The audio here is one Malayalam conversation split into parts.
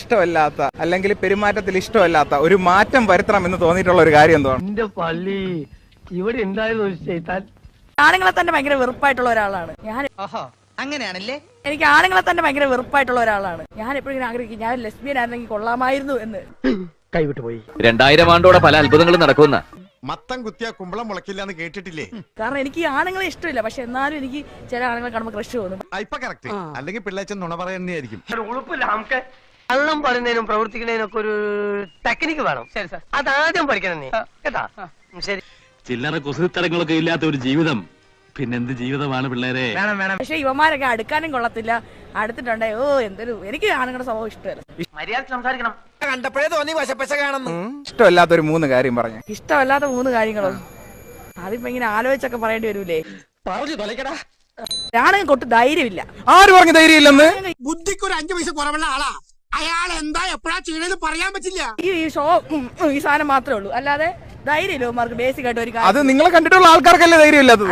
ഇഷ്ടമല്ലാത്ത അല്ലെങ്കിൽ പെരുമാറ്റത്തിൽ ഇഷ്ടമല്ലാത്ത ഒരു മാറ്റം വരുത്തണമെന്ന് തോന്നിയിട്ടുള്ള ഒരു കാര്യം എന്താണ്? എന്റെ പള്ളി ഇവിടെ ഉണ്ടായിരുന്നു. ആണുങ്ങളെ തന്നെ ഭയങ്കര വെറുപ്പായിട്ടുള്ള ഒരാളാണ് ഞാൻ. അങ്ങനെയാണല്ലേ? എനിക്ക് ആണുങ്ങളെ തന്നെ ഭയങ്കര വെറുപ്പായിട്ടുള്ള ഒരാളാണ് ഞാൻ. എപ്പോഴും ആഗ്രഹിക്കും ഞാൻ ലെസ്ബിയൻ ആയിരുന്നെങ്കിൽ കൊള്ളാമായിരുന്നു എന്ന്. കൈവിട്ടു പോയി. 2000 ആണ്ടോടെ പല അത്ഭുതങ്ങളും നടക്കുന്ന മത്തം കുത്തിയ കുമ്പളം മുളക്കില്ല എന്ന് കേട്ടിട്ടില്ലേ? കാരണം എനിക്ക് ഈ ആണുങ്ങളെ ഇഷ്ടമില്ല, പക്ഷെ എന്നാലും എനിക്ക് ചില ആണുങ്ങളെ കാണുമ്പോൾ ക്രഷ് തോന്നും. ഇപ്പൊ കറക്റ്റ്. അല്ലെങ്കിൽ പിള്ളേച്ചൻ നുണ പറയുന്നതായിരിക്കും. ഉളുപ്പില്ല നമുക്ക്. കള്ളം പറയുന്നതിനും പ്രവർത്തിക്കുന്നതിനും ഒക്കെ ഒരു ടെക്നിക്ക് വേണം. ശരി സാർ, അതാദ്യം പഠിക്കണം നീ കേട്ടാ. ശരി. ചില്ലറ കുസൃത്തരങ്ങളൊക്കെ ഇല്ലാത്ത ഒരു ജീവിതം പിന്നെന്ത് ജീവിതമാണ് പിള്ളേരെ? പക്ഷെ ഇവന്മാരൊക്കെ അടുക്കാനും കൊള്ളത്തില്ല. അടുത്തിട്ടുണ്ടേ എന്തൊരു എനിക്ക് ആണുങ്ങളുടെ സ്വഭാവം ഇഷ്ടമല്ല. മര്യാദ സംസാരിക്കണം. കണ്ടപ്പോഴേ തോന്നി വശപ്പശ കാണുന്നു. ഇഷ്ടമല്ലാത്ത ഒരു 3 കാര്യം പറഞ്ഞു. ഇഷ്ടമല്ലാത്ത 3 കാര്യങ്ങളോ? അതിപ്പോ ഇങ്ങനെ ആലോചിച്ചൊക്കെ പറയേണ്ടി വരൂലേ. പറഞ്ഞു തൊലക്കടാ. ആണെങ്കിൽ കൊട്ട് ധൈര്യമില്ല. ആര് പറഞ്ഞു ധൈര്യമില്ലെന്ന്? ബുദ്ധിക്ക് ഒരു 5 പൈസ കുറവുള്ള ആളാ അയാൾ. എന്താ എപ്പോഴാ ചെയ്യണെന്ന് പറയാൻ പറ്റില്ല. ഈ ഷോ ഈ സാധനം മാത്രമേ ഉള്ളൂ, അല്ലാതെ ധൈര്യമില്ല അവന്മാർക്ക്. ബേസിക് ആയിട്ട് ഒരു കാര്യം അത് നിങ്ങളെ കണ്ടിട്ടുള്ള ആൾക്കാർക്കല്ലേ ധൈര്യമില്ലാത്തത്?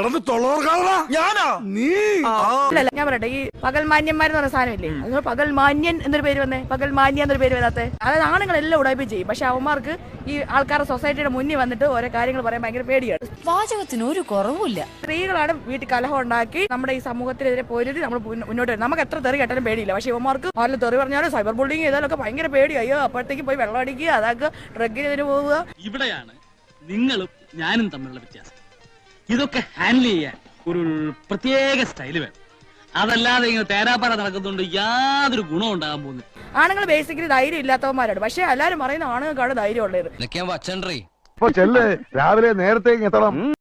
ഞാൻ പറയട്ടെ, ഈ പകൽ മാന്യന്മാരെന്ന് പറഞ്ഞ സാധനമില്ലേ, അതുകൊണ്ട് പകൽ മാന്യൻ എന്നൊരു പേര് വന്നേ, പകൽ മാന്യ എന്നൊരു പേര് വരാത്തെ. അതായത് ആണുങ്ങളെല്ലാം ഉടായ്പ ചെയ്യും, പക്ഷെ അവന്മാർക്ക് ഈ ആൾക്കാരുടെ സൊസൈറ്റിയുടെ മുന്നിൽ വന്നിട്ട് ഓരോ കാര്യങ്ങൾ പറയാൻ ഭയങ്കര പേടിയാണ്. വാചകത്തിന് ഒരു കുറവുമില്ല. സ്ത്രീകളാണ് വീട്ടിൽ കലഹം ഉണ്ടാക്കി നമ്മുടെ ഈ സമൂഹത്തിനെതിരെ പൊരുതി നമ്മൾ മുന്നോട്ട് വരും. നമുക്ക് എത്ര തെറി കേട്ടാലും പേടിയില്ല, പക്ഷെ ഇവന്മാർക്ക് ആരും തെറി പറഞ്ഞാലും സൈബർ ബുള്ളിങ് ചെയ്താലൊക്കെ ഭയങ്കര പേടി. അയ്യോ അപ്പോഴത്തേക്ക് പോയി വെള്ളം അടിക്കുക, അതാക്കുക, ഡ്രഗിനെതിരെ പോവുക. ഇവിടെയാണ് നിങ്ങളും ഞാനും തമ്മിലുള്ള വ്യത്യാസം. ഇതൊക്കെ ഹാൻഡിൽ ചെയ്യാൻ ഒരു പ്രത്യേക സ്റ്റൈല് വേണം. അതല്ലാതെ ഇങ്ങനെ തേരാപ്പാറ നടക്കുന്നുണ്ട് യാതൊരു ഗുണം ഉണ്ടാകാൻ പോകുന്നില്ല. ആണുങ്ങൾ ബേസിക്കലി ധൈര്യം ഇല്ലാത്തവന്മാരാണ്, പക്ഷെ എല്ലാവരും പറയുന്ന ആണുങ്ങൾക്കാണ് ധൈര്യം ഉള്ളത്. വച്ചണ്ടേ രാവിലെ നേരത്തെ എത്തണം.